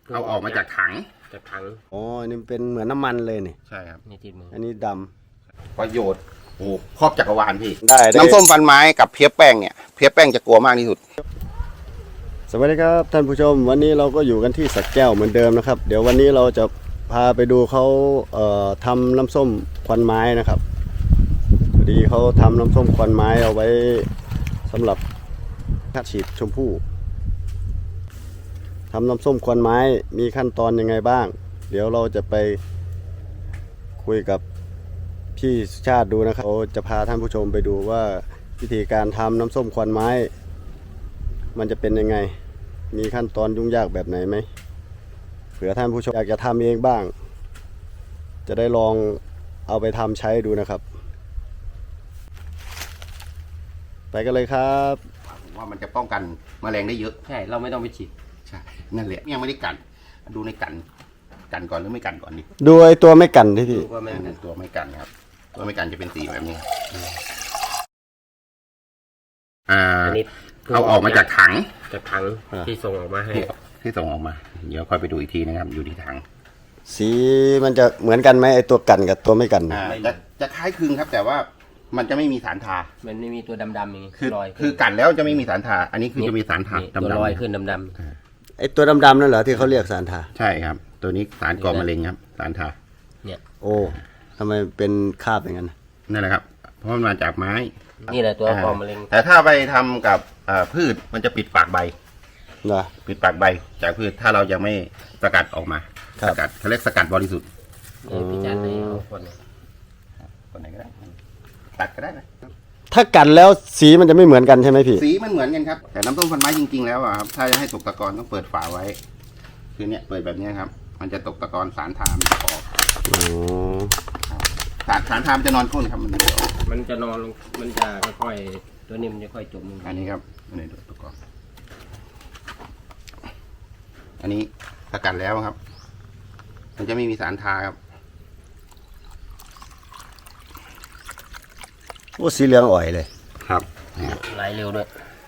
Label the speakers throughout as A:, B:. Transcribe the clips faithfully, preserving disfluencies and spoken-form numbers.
A: เอาออกมาจากถัง
B: จากถัง
C: อ๋อนี่เป็นเหมือนน้ำมันเลยนี่
A: ใช่ครับ
B: นี่ติดมือ
C: อันนี้ด
A: ำประโยชน์โอ้ครอบจักรวาลพี่
C: ได้
A: น้ำส้มฟันไม้กับเพี้ยแป้งเนี่ยเพี้ยแป้งจะกลัวมากที่สุด
C: สวัสดีครับท่านผู้ชมวันนี้เราก็อยู่กันที่สักแก้วเหมือนเดิมนะครับเดี๋ยววันนี้เราจะพาไปดูเขาเอ่อทำน้ำส้มควันไม้นะครับพอดีเขาทำน้ำส้มควันไม้เอาไว้สำหรับฉีดชมพู่ทำน้ำส้มควันไม้มีขั้นตอนยังไงบ้างเดี๋ยวเราจะไปคุยกับพี่สุชาติดูนะครับเราจะพาท่านผู้ชมไปดูว่าวิธีการทำน้ำส้มควันไม้มันจะเป็นยังไงมีขั้นตอนยุ่งยากแบบไหนไหมเผื่อท่านผู้ชมอยากจะทำเองบ้างจะได้ลองเอาไปทำใช้ดูนะครับไปกันเลยครับ
A: ว่ามันจะป้องกันแมลงได้เยอะ
B: ใช่เราไม่ต้องไปฉีด
A: ใช่นั่นแหละยังไม่ได้กันดูในกันกันก่อนหรือไม่กันก่อนดิ
C: ดูไอ้ตัวไม่กันที่พี่
A: ว่าไม่ตัวไม่กันครับตัวไม่กันจะเป็นสีแบบนี้อ่าเอาออกมาจากถัง
B: จากถังที่ส่งออกมาให้
A: ที่ส่งออกมาเดี๋ยวค่อยไปดูอีกทีนะครับอยู่ที่ถัง
C: สีมันจะเหมือนกันไหมไอ้ตัวกันกับตัวไม่กัน
A: อ่าจะจะคล้ายคลึงครับแต่ว่ามันจะไม่มีสารทา
B: มันไม่มีตัวดำๆอย่างนี้
A: คือคือกันแล้วจะไม่มีสารทาอันนี้คือจะมีสารทา
B: ดำๆลอยขึ้นดำ
C: ๆไอ้ตัวดำๆนั่นเหรอที่เขาเรียกสารทา
A: ใช่ครับตัวนี้สารก่อมะเร็งครับสารทา
B: เนี่ย
C: โอ้ทำไมเป็นคราบอย่างนั้น
A: นั่นแหละครับเพราะมันมาจากไม้
B: นี่แหละตัวก่อมะเร็ง
A: แต่ถ้าไปทำกับพืชมันจะปิดปากใบ
C: นะ
A: ปิดปากใบจากพืชถ้าเรายังไม่สกัดออกมาสกัดเขาเรียกสกัดบริสุทธิ์
B: พี่จันให้เอาคน
A: คนไหนก็ได้ตัดก็ได้นะ
C: ถ้ากันแล้วสีมันจะไม่เหมือนกันใช่ไหมพี่
A: สีมันเหมือนกันครับแต่น้ำส้มฟันไม้จริงๆแล้วครับถ้าจะให้ตกตะกอนต้องเปิดฝาไว้คือเนี้ยเปิดแบบนี้ครับมันจะตกตะกอนสารทามจะออกสารสารทามจะนอนก้นครับมันจะ
B: มันจะนอนลงมันจะค่อยๆตัวนี้มันจะค่อยจมลง
A: อันนี้ครับอันนี้ตะกอนอันนี้สกัดแล้วครับมันจะไม่มีสารทาครับ
C: โอ้สีเหลืองอ่อยเลย
A: ครับ
B: ไหลเร็วด้วย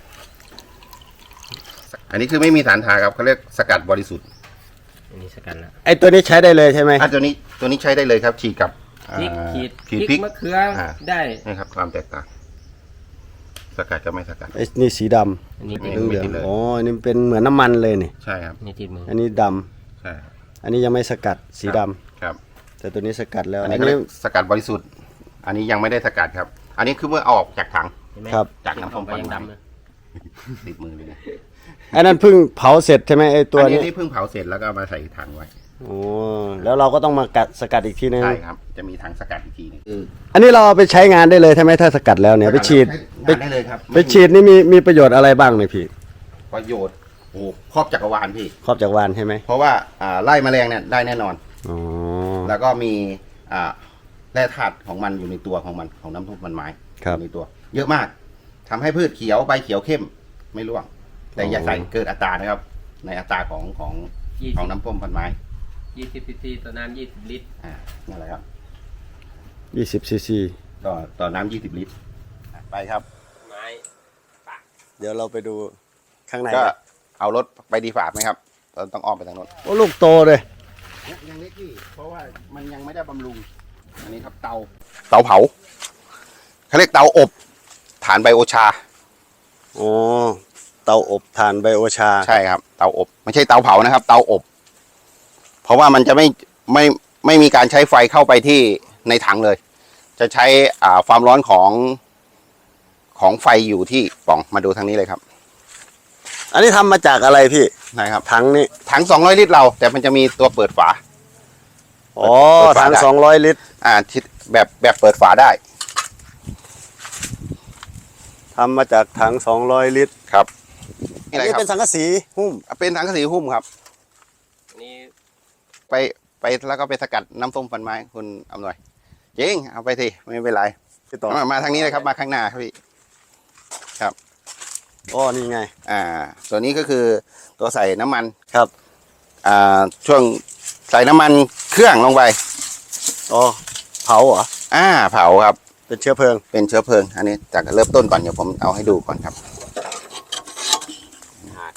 A: อันนี้คือไม่มีสารทาครับเขาเรียกสกัดบริสุทธิ์
B: อันนี้สกัดแล้ว
C: ไอ้ตัวนี้ใช้ได้เลยใช่ไหม
A: อ่ะตัวนี้ตัวนี้ใช้ได้เลยครับฉีดกับ
B: พริกขีด
A: ขีดพริก
B: มะเขือได้
A: นี่ครับความแตกต่างสกัดจะไม่สกัด
C: ไอ้นี่สีดำ
B: อันนี้
C: เหลืองอ๋ออันนี้เป็นเหมือนน้ำมันเลยนี่
A: ใช่ครับ
B: นี่ติดมือ
C: อันนี้ดำ
A: ใช่
C: อันนี้ยังไม่สกัดสีด
A: ำครับ
C: แต่ตัวนี้สกัดแล้ว
A: อันนี้สกัดบริสุทธิ์อันนี้ยังไม่ได้สกัดครับอันนี้คือเมื่อออกจากถัง
C: ครับ
A: จากน้ำส้มฟันไม้ติดมือเลย
C: อันนั้นเพิ่งเผาเสร็จใช่ไหมไอ้ตัวนี้
A: นี่เพิ่งเผาเสร็จแล้วก็มาใส่ถังไว้
C: โอ้แล้วเราก็ต้องมากัดสกัดอีกทีนึง
A: ใช่ครับจะมีถังสกัดอีกทีนึง
C: อันนี้เราเอาไปใช้งานได้เลยใช่ไหมถ้าสกัดแล้วเนี่ยไปฉีด
A: ได้เลยครับ
C: ไปฉีดนี่มีมีประโยชน์อะไรบ้างเนี่ยพี่
A: ประโยชน์โอ้ครอบจักรวาลพี่
C: ครอบจักรวาลใช่ไหม
A: เพราะว่าอ่าไล่แมลงเนี่ยได้แน่นอน
C: อ๋อ
A: แล้วก็มีอ่าแร่ธาตุของมันอยู่ในตัวของมันของน้ำส้มฟันไม้ในตัวเยอะมากทำให้พืชเขียวใบเขียวเข้มไม่ร่วงแต่อย่าใส่เกินอัตรานะครับในอัตราของของของน้ำส้มฟันไม้
B: ยี่สิบซีซีต่อน้ำยี่สิบลิตร
A: อ่านั่นแหละครับ
C: ยี่สิบซีซี
A: ต่อต่อน้ำยี่สิบลิตรไปครับ
B: ไม้
C: เดี๋ยวเราไปดูข้างใน
A: ก็เอารถไปดีฝากไหมครับเราต้องอ้อมไปทางโน้น
C: โอ้ลูกโตเลย
A: ยังเล็กที่เพราะว่ามันยังไม่ได้บำรุงอันนี้ครับเตาเตาเผาเขาเรียกเตาอบถ่านไบโอชา
C: โอ้เตาอบถ่านไบโอชา
A: ใช่ครับเตาอบไม่ใช่เตาเผานะครับเตาอบเพราะว่ามันจะไม่ไม่ไม่มีการใช้ไฟเข้าไปที่ในถังเลยจะใช้อ่าความร้อนของของไฟอยู่ที่ปล่องมาดูทางนี้เลยครับ
C: อันนี้ทำมาจากอะไรพี่
A: นะครับ
C: ถังนี้
A: ถังสองร้อยลิตรเราแต่มันจะมีตัวเปิดฝา
C: อ๋อถังสองร้อยลิตร
A: อ่าแบบแบบเปิดฝาได้
C: ทำมาจากถังสองร้อยลิตร
A: ครับ
C: อันนี้เป็นสังกะสีหุ้ม
A: เป็นสังกะสีหุ้มครับ
B: นี่
A: ไปไปแล้วก็ไปสกัดน้ำส้มฟันไม้คุณอำนวยจริงเอาไปสิไม่เป็นไรต่อมาทางนี้เลยครับมาข้างหน้าครับพี่ครับ
C: อ๋อนี่ไง
A: อ่าตัวนี้ก็คือตัวใส่น้ำมัน
C: ครับ
A: อ่าช่วงใส่น้ำมันเครื่องลงไป
C: อ๋อเผาเหรอ
A: อ่าเผาครับ
C: เป็นเชื้อเพลิง
A: เป็นเชื้อเพลิงอันนี้จากเริ่มต้นก่อนเดี๋ยวผมเอาให้ดูก่อนครับ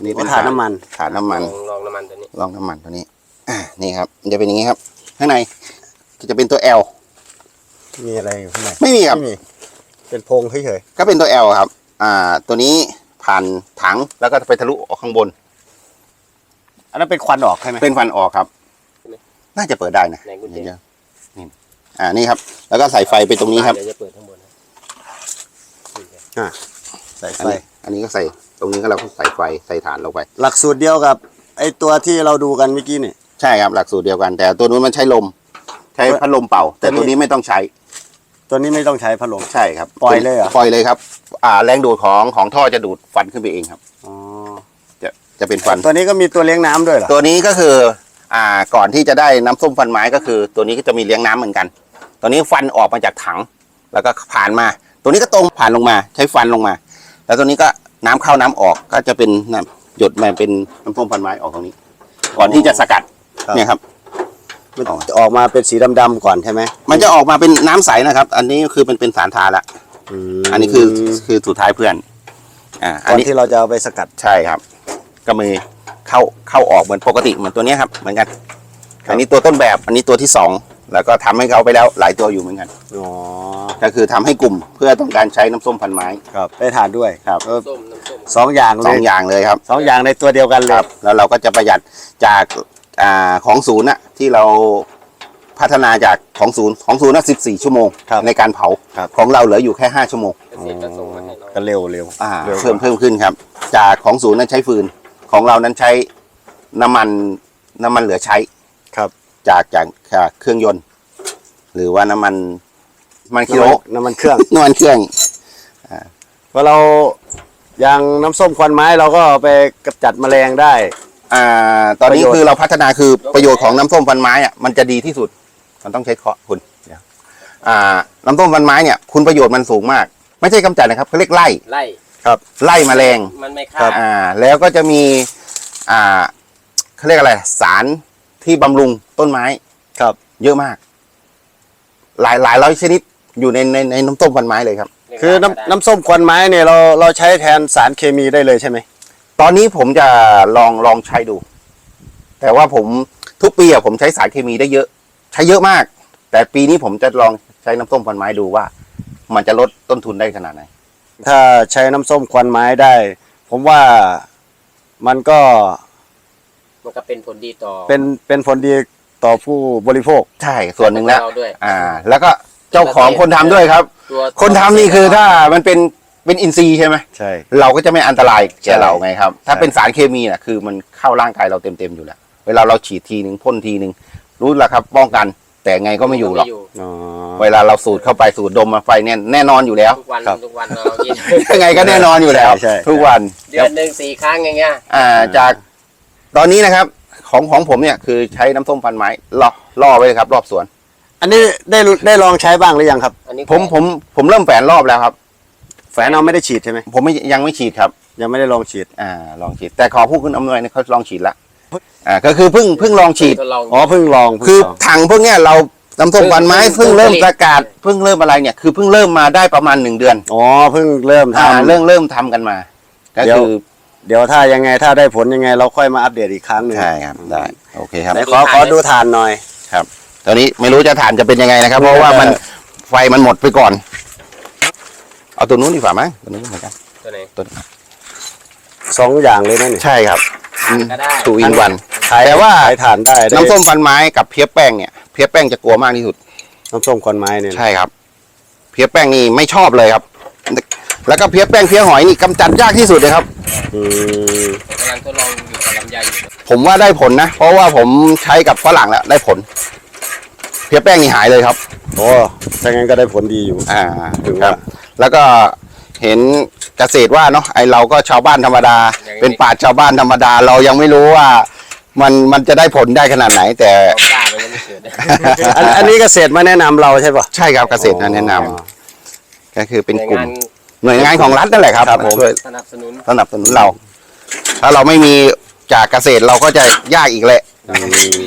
A: นี่เป็น
C: ถ่านน้ำมัน
A: ฐานน้ำมัน
B: ลองลองน้ำมันตัวนี้
A: ลองน้ำมันตัวนี้ อ่านี่ครับมันจะเป็นอย่างนี้ครับ ข้างในจะเป็นตัว L
C: มีอะไรอยู่ข้างใน
A: ไม่มีครับ
C: ไม่มีเป็นโพรงเฉย
A: ก็เป็นตัว L ครับ อ่า ตัวนี้ผ่านถังแล้วก็ไปทะลุออกข้างบน
C: ๆอันนั้นเป็นควันออกใช่ไหม
A: เป็นฟันออกครับ น่าจะเปิดได้นะ
B: ในกุญแจ
A: เดี๋ยวๆนี่อ่านี่ครับ แล้วก็ใส่ไฟไปตรงนี้ครับ
B: เดี๋ยวจะเปิดข้างบนนะ
C: อ่ะใส่
A: อัน
C: ไฟ
A: นี้อันนี้ก็ใส่ตรงนี้ก็เราก็ใส่ไฟใส่ฐานลงไป
C: หลักสูตรเดียวกับไอตัวที่เราดูกันเมื่อกี้นี่
A: ใช่ครับหลักสูตรเดียวกัน แต่ตัวนู้นมันใช้ลม ใช้พัดลมเป่า แต่ตัวนี้ไม่ต้องใช้
C: ตัวนี้ไม่ต้องใช้พัดลม
A: ใช่ครับ
C: ปล่อยเลยเหรอ
A: ปล่อยเลยครับ อ่า แรงดูดของของท่อจะดูดฟันขึ้นไปเองครับ
C: อ๋อ
A: จะจะเป็นฟัน
C: ตัวนี้ก็มีตัวเลี้ยงน้ำด้วยเหรอ
A: ตัวนี้ก็คือ อ่า ก่อนที่จะได้น้ำส้มฟันไม้ก็คือ ตัวนี้ก็จะมีเลี้ยงน้ำเหมือนกัน ตัวนี้ฟันออกมาจากถัง แล้วก็ผ่านมา ตัวนี้ก็ตรงผ่านลงมา ใช้ฟันลงมา แล้วตัวนี้ก็น้ำเข้าน้ำออกก็จะเป็นน้ำหยดมาเป็นน้ำส้มฟันไม้ออกตรงนี้ ก่อนที่จะสกัด เนี่ยครับ
C: มันจะออกมาเป็นสีดำๆก่อนใช่ไหม
A: มันจะออกมาเป็นน้ำใสนะครับ อันนี้คือเป็นเป็นสารทาละ
C: ม
A: อันนี้คือคือสุดท้ายเพื่อน อ่า อั
C: ก่
A: น
C: อน
A: นี้
C: ที่เราจะเอาไปสกัด
A: ใช่ครับ ก็มีเข้าเข้าออกเหมือนปกติเหมือนตัวเนี้ยครับ เหมือนกัน อันนี้ตัวต้นแบบ อันนี้ตัวที่สอง แล้วก็ทำให้เขาไปแล้วหลายตัวอยู่เหมือนกัน
C: อ๋อ
A: ก็คือทำให้กลุ่มเพื่อต้องการใช้น้ำส้มพันไม้
C: ครับได้ทานด้วย
A: ครับ
C: เออ
B: ส้มน้ำส้ม
C: สองอย่าง
A: ส
C: เล
A: อง
C: ย
A: อย่างเลยครับ
C: สองอย่างในตัวเดียวกันเล
A: ค
C: ย
A: รับ แล้วเราก็จะประหยัดจากอ่าของศูนย์น่ะที่เราพัฒนาจากของศูนย์ของศูนย์น่ะสิบสี่ชั่วโมง
C: ครับ
A: ในการเผา
C: ครับ
A: ของเราเหลืออยู่แค่ห้าชั่วโมง
B: เกษตรก็ส่งมาให้เรา
C: ก็เร็วเร็ว
A: อ่า
C: เร็ว
A: เพิ่มเพิ่มขึ้นครับ จากของศูนย์นั้นใช้ฟืน ของเรานั้นใช้น้ำมันน้ำมันเหลือใช้
C: ครับ
A: จากจากจากเครื่องยนต์ หรือว่าน้ำมันน้ำมันกิ
C: น้ำ
A: โล
C: มันน้ำมันเครื่อง
A: น้ำมันเครื่อง
C: พอเราอย่างน้ำส้มควันไม้เราก็เอาไปกำจัดแมลงได้
A: อ่าตอนนี้
C: ประโยชน์
A: คือเราพัฒนาคือประโยชน์ของน้ำส้มฟันไม้อะมันจะดีที่สุด มันต้องใช้เคาะคุณเดี๋ยวอ่าน้ำส้มฟันไม้เนี่ยคุณประโยชน์มันสูงมาก ไม่ใช่กำจัดนะครับเขาเรียกไล่
B: ไล่
C: ครับ
A: ไล่แมลง
B: มันไม่
C: ครั
B: ฆ่า
C: บ
A: อ่าแล้วก็จะมีอ่าเขาเรียกอะไร สารที่บำรุงต้นไม้
C: ครับ
A: เยอะมาก หลายหลายร้อยชนิดอยู่ในในในน้ำส้มฟันไม้เลยครับ
C: คือน้ำน้ำส้มควันไม้เนี่ยเราเราใช้แทนสารเคมีได้เลยใช่ไหม
A: ตอนนี้ผมจะลองลองใช้ดู แต่ว่าผมทุกปีอะผมใช้สารเคมีได้เยอะ ใช้เยอะมาก แต่ปีนี้ผมจะลองใช้น้ำส้มฟันไม้ดูว่า มันจะลดต้นทุนได้ขนาดไหน
C: ถ้าใช้น้ำส้มควันไม้ได้ ผมว่ามันก็
B: มันก็เป็นผลดีต่อ
C: เป็นเป็นผลดีต่อผู้บริโภค
A: ใช่ส่วนหนึ่งแล้ว
B: เราด้วย
A: อ่า แล้วก็เจ้าของคนทำด้วยครับ
B: ตัว
A: คนทำนี่คือถ้ามันเป็นเป็นอินทรีย์ใช่ไหม
C: ใช่
A: เราก็จะไม่อันตรายแก่เราไงครับ ถ้า
C: ใช่
A: เป็นสารเคมีน่ะคือมันเข้าร่างกายเราเต็มๆอยู่แล้ว เวลาเราฉีดทีหนึ่งพ่นทีหนึ่งรู้แล้วครับ ป้องกัน แต่ไงก็ไม่อยู่หรอก
C: อ๋อ
A: เวลาเราสูดเข้าไปสูดดมมาไฟแน่แน่นอนอยู่แล้ว
B: ทุกวัน
C: ครับ
B: ทุกวันเรากิน
A: ยังไงก็แน่นอนอยู่แล้ว
C: ใช่ใช่
A: ทุกวัน
B: เดือนหนึ่งสี่ครั้งอย่างเงี้ย
A: อ่าจากตอนนี้นะครับ ของของผมเนี่ยคือใช้น้ำส้มฟันไม้ล่อล่อไว้เลยครับ รอบสวน
C: อันนี้ได้รู้ได้ลองใช้บ้างหรือยังครับ
B: อันนี้
A: ผมผมผมเริ่มแฝนรอบแล้วครับ
C: แฝนเอาไม่ได้ฉีดใช่ไหม
A: ผมไม่ยังไม่ฉีดครับ
C: ยังไม่ได้ลองฉีด
A: อ่าลองฉีด แต่ขอผู้คุณอำนวยเนี่ยเขาลองฉีดละอ่าก็คือเพิ่งเพิ่งลองฉีด
B: ทดลอง
C: อ๋อเพิ่งลองเพิ่ง
A: คือ
C: ลอง
A: ถังพวกเนี้ยเราน้ำส้มฟันไม้
B: เพิ่
A: เพิ่
B: ง
A: งเริ่ม
B: ผลิต
A: ประกาศเพิ่งเริ่มอะไรเนี่ยคือเพิ่งเริ่มมาได้ประมาณหนึ่งเดือน
C: อ๋อเพิ่งเริ่มท
A: อ่าเริ่มเริ่มทำกันมา ก็
C: เดี๋ยว
A: คือ
C: ำเดี๋ยวถ้ายังไงถ้าได้ผลยังไงเราค่อยมาอัปเดตอีกครั้งหนึ่ง
A: ใช่ครับได้โอเคครับ
C: ไหนขอขอดูฐานหน่อย
A: ครับตอนนี้ไม่รู้จะฐานจะเป็นยังไงนะครับ เพราะว่ามันไฟมันหมดไปก่อน เอาตัวนู้นดีกว่ามั้งตัวนู้นเหมือนกัน
B: ตัวไหน
A: ตัวนี้
C: สองอย่างเลยนะนี่
A: ใช่ครับ
B: ก็ได้
A: ทูอินวัน
C: ขาย
A: แต่ว่า
C: ขายฐานได้ได้
A: น้ำส้มฟันไม้กับเพี้ยแป้งเนี่ยเพี้ยแป้งจะกลัวมากที่สุด
C: น้ำส้มควันไม้เนี่ยนะ
A: ใช่ครับ เพี้ยแป้งนี่ไม่ชอบเลยครับ แล้วก็เพี้ยแป้งเพี้ยหอยนี่กำจัดยากที่สุดเลยครับ
C: อืม
B: ผมกำลังทดลองอยู่กับลำไยอยู่
A: ผมว่าได้ผลนะ เพราะว่าผมใช้กับฝรั่งแล้วได้ผล เพี้ยแป้งนี่หายเลยครับ
C: โอ้ถ้างั้นก็ได้ผลดีอยู่
A: อ่า
C: ถึง
A: ค
C: ว่า
A: รับ แล้วก็เห็นเกษตรว่าเนาะไอเราก็ชาวบ้านธรรมดา เป็นป่าชชาวบ้านธรรมดา เรายังไม่รู้ว่า มันมันจะได้ผลได้ขนาดไหน แต่
B: ความกล้ามันยังไม่เกิด
C: อันอันนี้เกษตรมาแนะนำเราใช่ปะ
A: ใช่ครับเกษตรนะแนะนำ
C: อ๋อ
A: ก็คือเป็น
B: ใน
A: กลุ่ม
B: งาน
A: หน่วยงานของรัฐนั่นแหละครับ
C: ครับผม
A: ช่วย
B: สนับสนุน
A: สนับสนุนเรา ถ้าเราไม่มีจากเกษตรเราก็จะยากอีกแหละ
C: อืม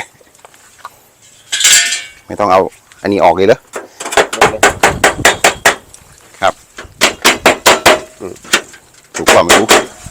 A: ไม่ต้องเอาอันนี้ออกเลยเหรอครับอืมถูกกว่าไม่รู้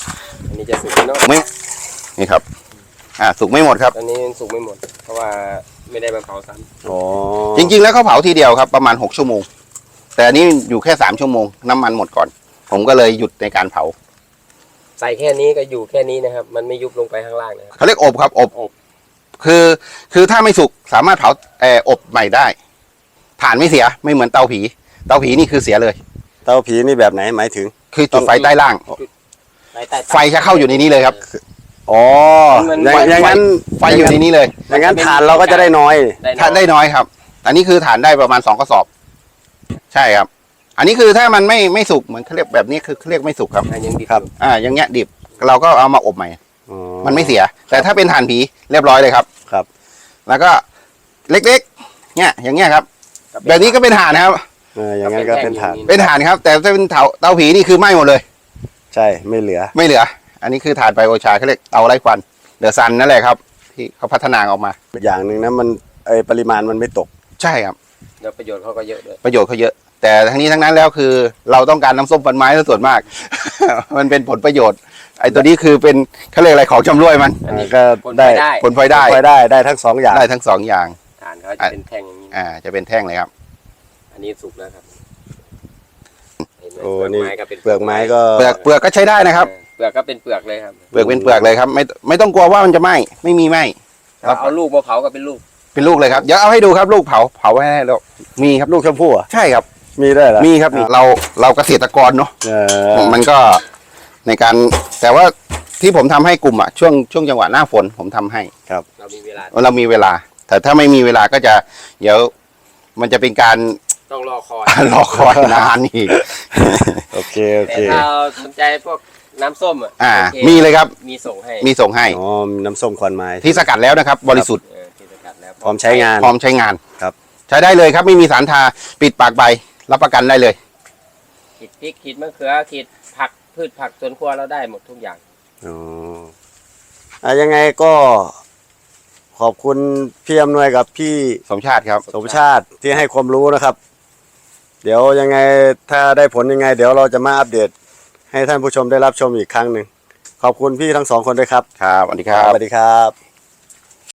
B: อันนี้จะสุกไหมเนาะ
A: ไม่นี่ครับ อ่าสุกไม่หมดครับ
B: อันนี้สุกไม่หมด เพราะว่าไม่ได้มาเผาซ้
C: อ๋อ
A: จริงๆแล้วเขาเผาทีเดียวครับประมาณหกชั่วโมง แต่อันนี้อยู่แค่สามชั่วโมงน้ำมันหมดก่อน ผมก็เลยหยุดในการเผา
B: ำใส่แค่นี้ก็อยู่แค่นี้นะครับ มันไม่ยุบลงไปข้างล่างนะครับ
A: เขาเรียกอบครับอบ
B: อบ
A: คือคือถ้าไม่สุกสามารถเผาเอ่ออบใหม่ได้ถ่านไม่เสียไม่เหมือนเตาผี เตาผีนี่คือเสียเลย
C: เตาผีนี่แบบไหนหมายถึง
A: คือจุดไฟใต้ล่าง
B: ใต้ใต้
A: ไฟจะเข้าอยู่ในนี้เลยครับ
C: อ๋อ
B: มัน
C: อย่างอย่างนั้น
A: ไฟอยู่ในนี้เลย
C: อย่างนั้นฐานเราก็จะได้น้อย
A: ทานได้น้อยครับ อันนี้คือฐานได้ประมาณสองกระสอบ ใช่ครับ อันนี้คือถ้ามันไม่ไม่สุกเหมือนเขาเรียกแบบนี้คือเขาเรียกไม่สุกครับ
B: อันยังดิบ
C: ครับ
B: อยู่
A: อ่าอย่างเงี้ยดิบเราก็เอามาอบใหม่
C: อ๋อ
A: มันไม่เสีย แต่ถ้าเป็นถ่านผีเรียบร้อยเลยครับ
C: ครับ
A: แล้วก็เล็กๆ เนี่ยอย่างเงี้ยครับ แบบนี้ก็เป็นถ่านนะครับ
C: เอออย่างนั้นก็เป็นฐาน
A: เป็นถ่านครับ แต่ถ้าเป็นเตาเตาผีนี่คือไหม้หมดเลย
C: ใช่ไม่เหลือ
A: ไม่เหลือ อันนี้คือถ่านไบโอชาเขาเรียกเตาไร้ควันเดอะซันนั่นแหละครับ ที่เขาพัฒนาออกมา
C: อย่างหนึ่งนะมันไอปริมาณมันไม่ตก
A: ใช่ครับ
B: แล้วประโยชน์เขาก็เยอะด้วย
A: ประโยชน์เขาเยอะ แต่ทั้งนี้ทั้งนั้นแล้วคือ เราต้องการน้ำส้มฟันไม้ซะส่วนมาก มันเป็นผลประโยชน์ ไอ้ตัวนี้คือเป็นเขาเรียกอะไรของชำร่วยมัน
B: อันนี้
C: ก็
B: ผล
C: ได้
B: ได้
A: ผลพลอยได้
C: ไปได้ได้ทั้งสองอย่าง
A: ได้ทั้งสองอย่าง
B: ฐานเขาจะเป็นแท่งอย่างนี้
A: อ่า จะเป็นแท่งเลยครับ
B: อันนี้สุกแล้วครับเห็นไหม
C: โอ้
B: เปลือก
C: นี่
B: ไม้ก็เป็น
C: เปลือกไม้ก็
A: เปลือกเปลือกก็ใช้ได้นะครับ
B: เออเปลือกก็เป็นเปลือกเลยครับ
A: เปลือกเป็นเปลือกเลยครับ ไม่ไม่ต้องกลัวว่ามันจะไหม้ไม่มีไหม้ ครับ
B: เอาลูกมาเผาก็เป็นลูก
A: เป็นลูกเลยครับเดี๋ยวเอาให้ดูครับลูกเผาเผาให้แล้วมีครับ
C: ลูกชมพู่อ่ะ
A: ใช่ครับ
C: มีได้วยเหรอ
A: มีครับมีเราเราเกษตรกรเนาะ
C: เออ
A: มันก็ในการแต่ว่าที่ผมทำให้กลุ่มอ่ะช่วงช่วงจังหวะหน้าฝนผมทำให้
B: เรามีเวลา
A: เรามีเวลา แต่ถ้าไม่มีเวลาก็จะ เดี๋ยวมันจะเป็นการ
B: ต้องรอคอย
A: รอคอยนานอีก
C: โอเคโอ
B: แต่
C: เค
B: ถ้าเราสนใจพวกน้ำส้มอ่ะ
A: อ่า
B: โอค
A: มีเลยครับ
B: มีส่งให้
A: มีส่งให้
C: อ๋อน้ำส้มควันไม้
A: ที่สกัดแล้วนะครับ บริสุทธิ์
B: เออที่สกัดแล้ว
C: พร้อมใช้งาน
A: พร้อมใช้งาน
C: ครับ
A: ใช้ได้เลยครับ ไม่มีสารทาปิดปากใบรับประกันได้เลย
B: ขีดพริกขีดมะเขือขีดผักพืชผักสวนครัวเราได้หมดทุกอย่าง
C: อ๋ออ่ะยังไงก็ขอบคุณพี่อำนวยกับพี่
A: สมชาติครับ
C: สมชาติที่ให้ความรู้นะครับ เดี๋ยวยังไงถ้าได้ผลยังไง เดี๋ยวเราจะมาอัปเดต ให้ท่านผู้ชมได้รับชมอีกครั้งหนึ่งขอบคุณพี่ทั้งสองคนด้วยครับ
A: ครับสวัสดีครับ
C: สวัสดีครับ